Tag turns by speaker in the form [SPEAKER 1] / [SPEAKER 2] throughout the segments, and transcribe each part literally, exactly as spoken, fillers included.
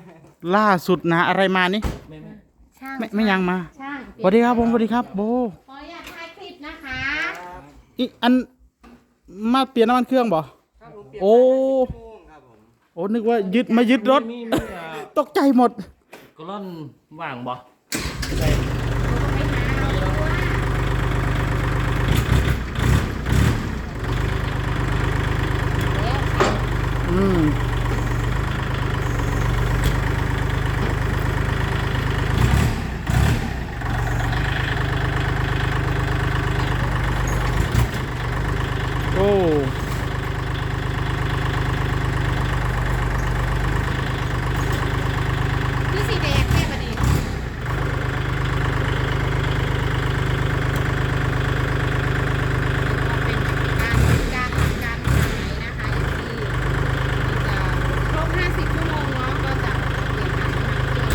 [SPEAKER 1] ล่าสุดนะอะไรมานี่
[SPEAKER 2] ไม่ไม่
[SPEAKER 3] ช่าง
[SPEAKER 1] ไม่ไม่ยังมา
[SPEAKER 3] ช่าง
[SPEAKER 1] สวัสดีครับผมสวัสดีครับโบ
[SPEAKER 3] ขออนุญาตถ่ายคลิปนะคะ
[SPEAKER 1] อีอันมาเปลี่ยนน้ำมันเครื่องบ่โอ้โอ้นึกว่ายึดมายึดรถ
[SPEAKER 2] มีมีอ่า
[SPEAKER 1] ตกใจหมด
[SPEAKER 2] กล่อนว่างบ่
[SPEAKER 1] อืมโอ้
[SPEAKER 3] พี่สีแดงแค่ประเดี๋ยวเป็นการการทำการขายนะคะที่จะครบห้าสิบชั่วโมงเนาะก็จะเปลี่ยนถ่ายน้ำมันเครื่อง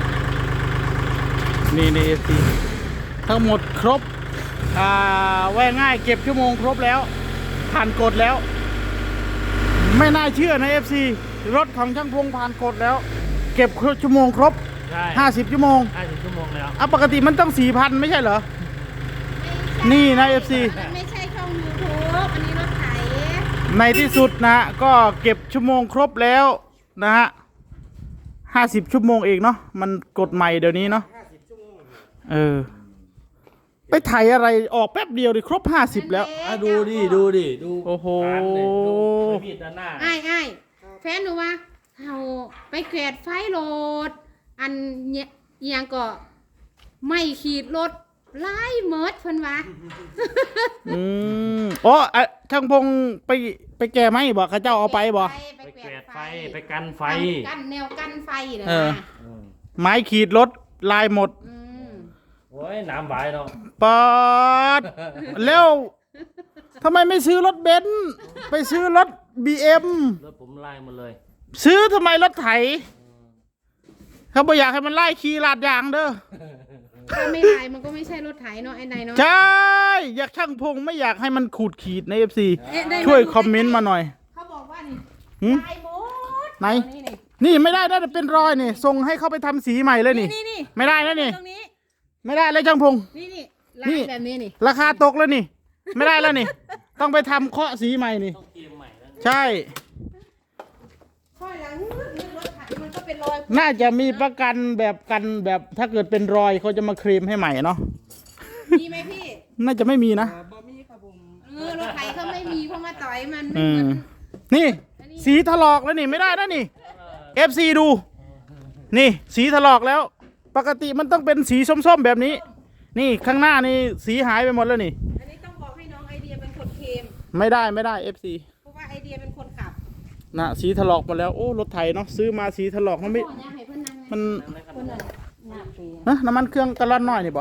[SPEAKER 3] ให้เรา
[SPEAKER 1] นี่นี่สิทั้งหมดครบอ่าแว่าง่ายเก็บชั่วโมงครบแล้ว ผ่านกฎแล้ว ไม่น่าเชื่อนะ เอฟ ซี รถของช่างพงผ่านกฎแล้ว เก็บชั่วโมงครบ
[SPEAKER 2] ใช่
[SPEAKER 1] ห้าสิบชั่วโมง
[SPEAKER 2] ห้าสิบชั่วโมงแล้ว
[SPEAKER 1] อ่ะปกติมันต้อง สี่พัน ไม่ใช่เหรอ นี่นะ เอฟ ซี
[SPEAKER 3] มันไม่ใช่ช่อง ยูทูบ อันนี้รถไถ
[SPEAKER 1] ในที่สุดนะก็เก็บชั่วโมงครบแล้วนะฮะห้าสิบชั่วโมงเองเนาะมันกฎใหม่เดี๋ยวนี้เนาะเออไปไถอะไรออกแป๊บเดียวดิครบห้าสิบแล้ว
[SPEAKER 2] อ่ะดูดิดูดิดู
[SPEAKER 1] โอ้โห
[SPEAKER 2] ผ่านเลยดูไม่มีดด้านหน้า
[SPEAKER 3] ไอ้ไอ้ายแฟนหนูว่าเราไปแกวดไฟโหลด อันเนี่ยอิหยังก็ไม่ขีดรถไล่เมิดเพิ่นวะ
[SPEAKER 1] อืมอ๋ออ่ะช่างพงไปไปแก่ไหมบอกข้าเจ้าเอาไปบอก
[SPEAKER 2] ไปแกวดไฟไปกันไฟ
[SPEAKER 3] กันแนวกันไฟเลย
[SPEAKER 1] เออ
[SPEAKER 3] นะ
[SPEAKER 2] อืม
[SPEAKER 1] ไม้ขีดรถลายหมด
[SPEAKER 3] อืม
[SPEAKER 2] โอ้ยน้ำไหวเนาะ
[SPEAKER 1] ปอดแล้วทำไมไม่ซื้อรถเบนซ์ไปซื้อรถบีเอ็ม
[SPEAKER 2] รถผมไล่หมดเลย
[SPEAKER 1] ซื้อทำไมรถไถเขาบอกอยากให้มันไล่ขี่ลาดยางเด้อ
[SPEAKER 3] ถ้าไม่ไล่มันก็ไม่ใช่รถไถเนาะไอ้นายเนาะ
[SPEAKER 1] ใช่อยากช่างพงไม่อยากให้มันขูดขีดในเอฟซี
[SPEAKER 3] เอ๊ะได้
[SPEAKER 1] ช่วยคอมเมนต์มาหน่อย
[SPEAKER 3] เขาบอกว่านี่
[SPEAKER 1] หืม
[SPEAKER 3] ลายหมด
[SPEAKER 1] ไหน
[SPEAKER 3] นี่นี่
[SPEAKER 1] นี่ไม่ได้นะเป็นรอยนี่ส่งให้เขาไปทำสีใหม่เลยนี่
[SPEAKER 3] นี่นี่
[SPEAKER 1] ไม่ได้นะนี่
[SPEAKER 3] ตรงนี้
[SPEAKER 1] ไม่ได้เลยช่างพง
[SPEAKER 3] นี่นี่
[SPEAKER 1] นี่
[SPEAKER 3] ลายแบบนี้นี่
[SPEAKER 1] ราคาตกแล้วนี่ ไม่ได้แล้วนี่ ต้องไปทำเคาะสีใหม่นี่
[SPEAKER 2] ต้องเกมใหม่แล้ว
[SPEAKER 1] ใช่
[SPEAKER 3] ค่อยหลังนึกรถไถมันก็เป็นรอย
[SPEAKER 1] น่าจะมีประกันแบบกันแบบถ้าเกิดเป็นรอยเขาจะมาเคลมให้ใหม่เนาะ
[SPEAKER 3] มีไหมพี่
[SPEAKER 1] น่าจะไม่มีนะ
[SPEAKER 3] เออรถไถเขาไม่มีเพราะมาต่อยมันไม่
[SPEAKER 1] อื
[SPEAKER 3] เหมื
[SPEAKER 1] ม
[SPEAKER 3] อน
[SPEAKER 1] นี่ สีถลอกแล้วนี่ไม่ได้นะนี่ เอฟ ซี ดู นี่ สีถลอกแล้ว ปกติมันต้องเป็นสีส้มๆแบบนี้ นี่ข้างหน้านี่สีหายไปหมดแล้วนี่
[SPEAKER 3] อันนี้ต้องบอกให้น้องไอเดียเป็นคนเคลม
[SPEAKER 1] ไม่ได้ไม่ได้ เอฟ ซี
[SPEAKER 3] เพราะว่าไอเดียเป็นคนขับ
[SPEAKER 1] นะสีถลอกหมดแล้วโอ้รถไถเนาะซื้อมาสีถลอกมันไม่
[SPEAKER 3] พ่อเนี่ยให้เพื่อนนั่ง
[SPEAKER 1] มัน
[SPEAKER 3] เพื่อนนั่งหน้าปี
[SPEAKER 1] ฮะน้ำมันเครื่องกะล่อนน้อยนี่บ่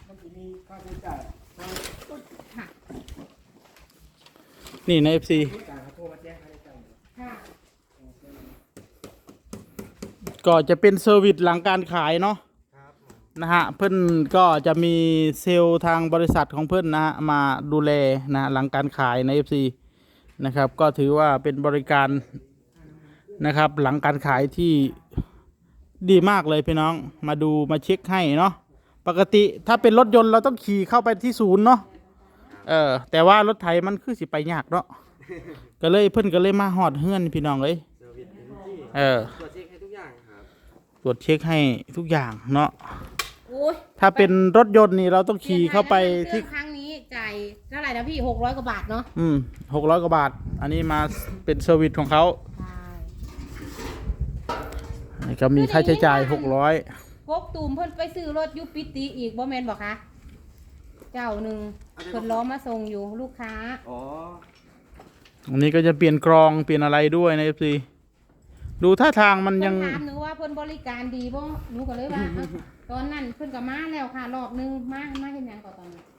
[SPEAKER 3] ค่ะ
[SPEAKER 1] นี่ใน เอฟ ซี
[SPEAKER 3] ค่ะ
[SPEAKER 1] ก็จะเป็นเซอร์วิสหลังการขายเนาะนะฮะเพื่อนก็จะมีเซลล์ทางบริษัทของเพื่อนนะฮะมาดูแลนะฮะหลังการขายใน เอฟ ซี นะครับก็ถือว่าเป็นบริการนะครับหลังการขายที่ดีมากเลยพี่น้องมาดูมาเช็คให้เนาะปกติถ้าเป็นรถยนต์เราต้องขี่เข้าไปที่ศูนย์เนาะเออแต่ว่ารถไถมันคือสิไปยากเนาะก็เลยเพื่อนก็เลยมาหอดเฮือนพี่น้องเลยเออ
[SPEAKER 4] ตรวจเช็คให้ทุกอย่างครับ
[SPEAKER 1] ตรวจเช็คให้ทุกอย่างเนาะ
[SPEAKER 3] โอ้ย
[SPEAKER 1] ถ้าเป็นรถยนต์นี่เราต้องขี่เข้าไปที่
[SPEAKER 3] ครั้งนี้จ่ายเท่าไหร่นะพี่หกร้อยกว่าบาทเนาะ
[SPEAKER 1] อืมหกร้อยกว่าบาท อันนี้มาเป็นเซอร์วิสของเขา
[SPEAKER 3] ใช่
[SPEAKER 1] อันนี้ก็มีค่าใช้จ่ายหกร้อย
[SPEAKER 3] พกตูมเพิ่นไปซื้อรถยุปิติอีกบ่แม่นบอกคะเจ้าหนึ่งเพิ่นล้อมาส่งอยู่ลูกค้า
[SPEAKER 4] อ๋อ
[SPEAKER 1] อันนี้ก็จะเปลี่ยนกรองเปลี่ยนอะไรด้วยนะเอฟซีดูท่าทางมันยัง
[SPEAKER 3] เพิ่นถามหนูว่าเพิ่นบริการดีบ่หนูก็เลยว่า เอ้าตอนนั้นเพิ่นก็มาแล้วค่ะรอบนึงมามาเฮ็ดหยังก่อนตอนนั้น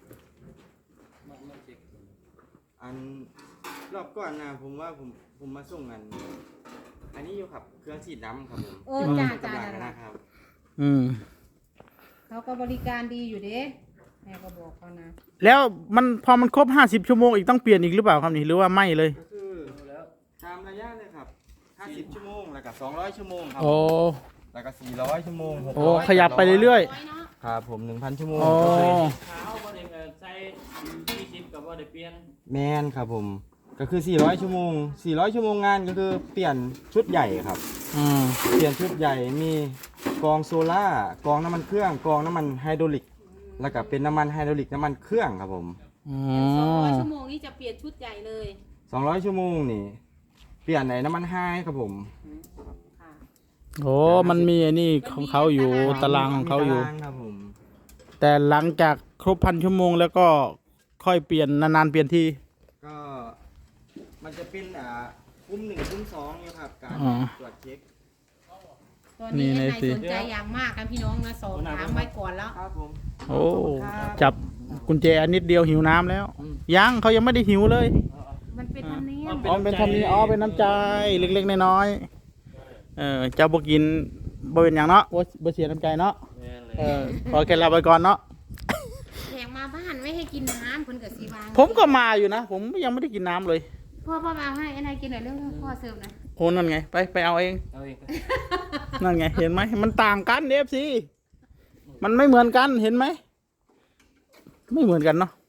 [SPEAKER 4] อันรอบก่อนนะผมว่าผมผมมาส่งอัน อันนี้อยู่ครับเครื่องฉีดน้ำครับผม
[SPEAKER 3] เออจ้าจ้า
[SPEAKER 4] ที่
[SPEAKER 3] นั่น
[SPEAKER 4] บ้น
[SPEAKER 3] ล่ะ
[SPEAKER 4] นะครับ
[SPEAKER 1] อืม
[SPEAKER 3] เขาก็บริการดีอยู่เด้แม่ก็บอกเขานะ
[SPEAKER 1] แล้วมันพอมันครบห้าสิบชั่วโมงอีกต้องเปลี่ยนอีกหรือเปล่าครับนี่หรือว่าไม่เลย
[SPEAKER 4] ก็คือตามระยะเลยครับห้าสิบชั่วโมงแล้วก็สองร้อยชั่วโมงครับ
[SPEAKER 1] โอ้
[SPEAKER 4] แล้วก็สี่ร้อยชั่วโมงหก
[SPEAKER 1] โอ้
[SPEAKER 4] ร้อย
[SPEAKER 1] ขยับไปเรื่อย
[SPEAKER 3] ร้อยเนาะ
[SPEAKER 4] ๆครับผมหนึ่งพันชั่วโมง
[SPEAKER 1] โอ้
[SPEAKER 2] ขาวบ่ได้เอ่อใส่ยี่สิบกับบ่ได้เปลี่ยน
[SPEAKER 4] แมนครับผมก็คือสี่ร้อยชั่วโมงสี่ร้อยชั่วโมงงานก็คือเปลี่ยนชุดใหญ่ครับ
[SPEAKER 1] ๆอืม
[SPEAKER 4] เปลี่ยนชุดใหญ่มีกรองโซล่ากรองน้ำมันเครื่องกรองน้ำมันไฮดรอลิก แล้วก็เป็นน้ำมันไฮดรอลิกน้ำมันเครื่องครับผม
[SPEAKER 1] อ๋อ
[SPEAKER 3] สองร้อยชั่วโมงนี่จะเปลี่ยนชุดใหญ่เลย
[SPEAKER 4] สองร้อยชั่วโมงนี่เปลี่ยนในน้ำมันไฮครับผม
[SPEAKER 3] ค่ะ
[SPEAKER 1] โอ้มันมีไอ้นี่ของเขาอยู่ตารางของเขาอยู่
[SPEAKER 4] มีตรางครับผม
[SPEAKER 1] แต่หลังจากครบพันชั่วโมงแล้วก็ค่อยเปลี่ยนนานๆเปลี่ยนที
[SPEAKER 4] ก็มันจะเป็นอ่าคุ้มหนึ่งคุ้มสองเนี่ยครับการ
[SPEAKER 1] อ๋อ
[SPEAKER 4] ตรวจเช็ค
[SPEAKER 3] ตอนนี้
[SPEAKER 1] นี่
[SPEAKER 3] ไอ้
[SPEAKER 1] ใน
[SPEAKER 3] นาย
[SPEAKER 1] สิ
[SPEAKER 3] สนใจอย่างมากกันพี่น้องนะสอบถามไว้ก่อนแล้ว
[SPEAKER 4] ครับผม
[SPEAKER 1] โอ้จับกุญแจอันนิดเดียวหิวน้ำแล้ว ยังเขายังไม่ได้หิวเลย
[SPEAKER 3] มันเป็นธรรมเนียม
[SPEAKER 1] อ๋อเป็นทำนี้อ๋อเป็นน้ำใจเล็กๆน้อยๆเออเจ้าบ่กินบ่เป็นอย่างเนาะบ่บ่เสียน้ำใจเนาะ
[SPEAKER 2] แม่นเลย
[SPEAKER 1] เออขอแค่ลาไปก่อนเนาะ
[SPEAKER 3] แขกมาบ้านไม่ให้กินน้ำคนกับสีวาง
[SPEAKER 1] ผมก็มาอยู่นะ ผมยังไม่ได้กินน้ำเลย
[SPEAKER 3] พ่อพ่อมาให้ไอ้นายกินหน่อยเรื่องพ่อเสิร์ฟหน่อย
[SPEAKER 1] โอ้นั่นไงไปไปเอาเอง
[SPEAKER 2] เอาเอง
[SPEAKER 1] นั่นไงเห็นไหมมันต่างกันเอฟซีมันไม่เหมือนกันเห็นไหมไม่เหมือนกันเนาะ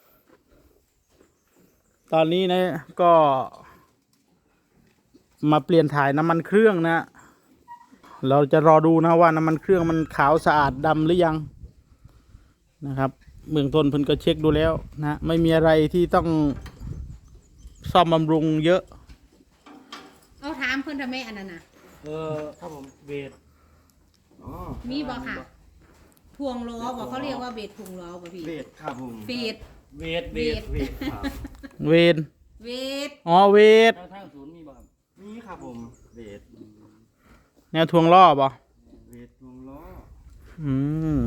[SPEAKER 1] ตอนนี้นะก็มาเปลี่ยนถ่ายน้ำมันเครื่องนะ เราจะรอดูนะว่าน้ำมันเครื่องมันขาวสะอาดดำหรือยังนะครับเบื้องต้นเพิ่นก็เช็คดูแล้วนะไม่มีอะไรที่ต้องซ่อมบำรุงเยอะ
[SPEAKER 3] เอาถามเพื่อนทำไมอันนั้นน่ะ
[SPEAKER 2] เออครับผมเวท
[SPEAKER 4] อ๋อ
[SPEAKER 3] มีบอกค่ะทวงล้อบอกเขาเรียกว่าเบสทวงล้อป่ะพี่
[SPEAKER 4] เบสครับผม
[SPEAKER 3] เบส
[SPEAKER 2] เวทเวท
[SPEAKER 4] เบสครับ
[SPEAKER 1] เวน
[SPEAKER 3] เวส
[SPEAKER 1] อ๋อเวท
[SPEAKER 2] ทางทางศูนย์มีบ่ครับ
[SPEAKER 4] นี่ครับผมเบส
[SPEAKER 1] แนวทวงล้อป่ะ
[SPEAKER 4] เบสวงล้อ
[SPEAKER 1] อืม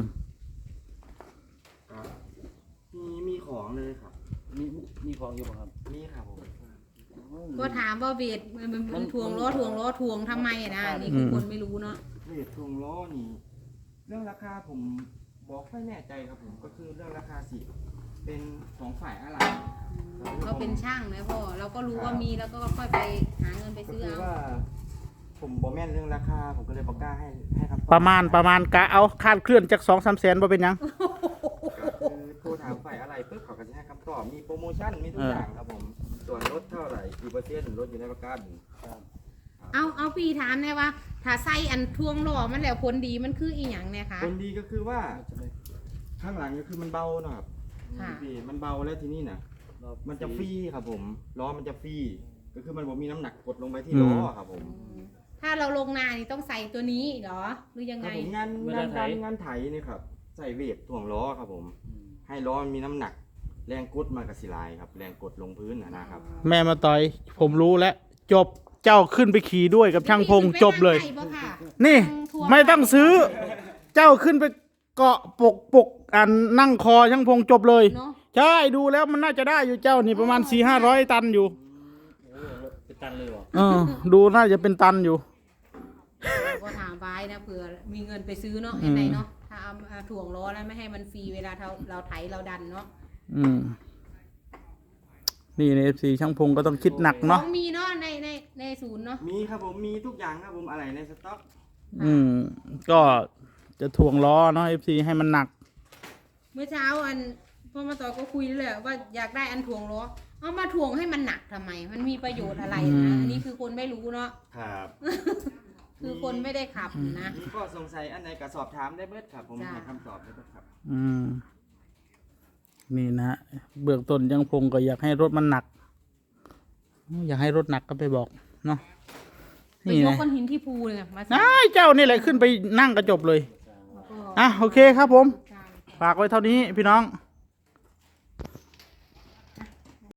[SPEAKER 4] ครับมีมีของเลยครับ
[SPEAKER 2] มีมีของอยู่บ่ครับ
[SPEAKER 4] นี่ครับผม
[SPEAKER 3] ก็ถามว่าเบสมันมันมันทวงล้อทวงล้อทวงทำไมอะนะนี่คือคนไม่รู้เนาะ
[SPEAKER 4] เบสวงล้อนี่เรื่องราคาผมบอกไม่แน่ใจครับผมก็คือเรื่องราคาสิเป็นของฝ่ายอะไร
[SPEAKER 3] เขาเป็นช่างนะพ่อเราก็รู้ว่ามีแล้วก็ค่อยไปหาเงินไป
[SPEAKER 4] ก็
[SPEAKER 3] ซื้อ
[SPEAKER 4] คือ
[SPEAKER 3] เอา
[SPEAKER 4] ว่า ผมบอกแม่นเรื่องราคาผมก็เลยบอกกล้าให้ให้คำตอบ
[SPEAKER 1] ประมาณประมาณกะเอาคาดเคลื่อนจากสองสามแสนบ่เป็นหยัง
[SPEAKER 4] คือโทรถามฝ่ายอะไรปุ๊บเขาก็จะให้คำตอบมีโปรโมชั่นมีทุกอย่างครับผมส่วนลดเท่าไหร่กี่เปอร์เซ็นต์ลดอยู่ในประกัน
[SPEAKER 3] เอาเอาพี่ถามได้ว่า ถ้าใส่อันทวงล้อมันแล้วผลดีมันคืออีหยังเนี่ยคะ
[SPEAKER 4] คนดีก็คือว่าข้างหลังก็คือมันเบาหนะครับ
[SPEAKER 3] ค่ะ
[SPEAKER 4] พี่มันเบาแล้วทีนี้นะมันจะฟรีครับผมล้อมันจะฟรีก็คือมันบ่มีน้ำหนักกดลงไปที่ล้อครับผม
[SPEAKER 3] ถ้าเราลงนานี่ต้องใส่ตัวนี้เหรอหรือยัง
[SPEAKER 4] ค
[SPEAKER 3] ไง
[SPEAKER 4] รับผมงานงานการงานไถนี่ครับใส่เวทถ่วงล้อครับผม ให้ล้อมันมีน้ำหนัก แรงกดมันกับสิลายครับ แรงกดลงพื้นนะนะครับ
[SPEAKER 1] แม่มาต่อย ผมรู้แล้ว จบเจ้าขึ้นไปขี่ด้วยกับช่างพงจบเลย
[SPEAKER 3] ไปนั่งไก่บ่ค่ะ
[SPEAKER 1] นี่
[SPEAKER 3] ทวง
[SPEAKER 1] ไม่ต้องซื้อ เจ้าขึ้นไปเกาะปกปกอันนั่งคอช่างพงจบเลย
[SPEAKER 3] เนาะ
[SPEAKER 1] ใช่ดูแล้วมันน่าจะได้อยู่เจ้านี่ประมาณสี่ห้าร้อยตันอยู่
[SPEAKER 2] โอ้เป็นตันเลยเหรอ
[SPEAKER 1] เออ ดูน่าจะเป็นตันอยู่
[SPEAKER 3] ก็ถามไว้นะเผื่อมีเงินไปซื้อเนาะ
[SPEAKER 1] อืม
[SPEAKER 3] ยังไงเนาะถ้าเอาเอาถ่วงล้อแล้วไม่ให้มันฟรีเวลาเราเราไถเราดันเนาะ
[SPEAKER 1] อืม นี่ในเอฟซีช่างพงก็ต้องคิดหนัก
[SPEAKER 3] ขอ
[SPEAKER 1] เนาะ
[SPEAKER 3] งมีเนาะในในในศูนย์เนาะ
[SPEAKER 4] มีครับผมมีทุกอย่างครับผมอะไรในสต็อก
[SPEAKER 1] อืม ก็จะถ่วงล้อเนาะเอฟซีให้มันหนัก
[SPEAKER 3] เมื่อเช้าอันพ่อมาต่อก็คุยเลยว่าอยากได้อันถ่วงล้อเอามาถ่วงให้มันหนักทำไม มันมีประโยชน์อะไร
[SPEAKER 1] อื
[SPEAKER 3] นะ
[SPEAKER 1] ม
[SPEAKER 3] อันนี้คือคนไม่รู้เนาะ
[SPEAKER 4] ครับ
[SPEAKER 3] คือคนไม่ได้ขับนะ
[SPEAKER 4] มีก็สงสัยอันไหนก็สอบถามได้เบิดครับ ผม
[SPEAKER 3] จ้ะ
[SPEAKER 4] ให้คำตอบได้เบิดครับ
[SPEAKER 1] อืม นี่นะ เบื้องต้นยังพงก็อยากให้รถมันหนัก อยากให้รถหนักก็ไปบอกเนาะ
[SPEAKER 3] ไป
[SPEAKER 1] นี่
[SPEAKER 3] ยก
[SPEAKER 1] นะ
[SPEAKER 3] ก้อนหินที่ภูเลยมา
[SPEAKER 1] นายเจ้านี่แหละขึ้นไปนั่งกระจบเลย
[SPEAKER 3] แล้วก็
[SPEAKER 1] อ่ะโอเคครับผม
[SPEAKER 3] ใช่
[SPEAKER 1] ฝากไว้เท่านี้พี่น้อง
[SPEAKER 3] ค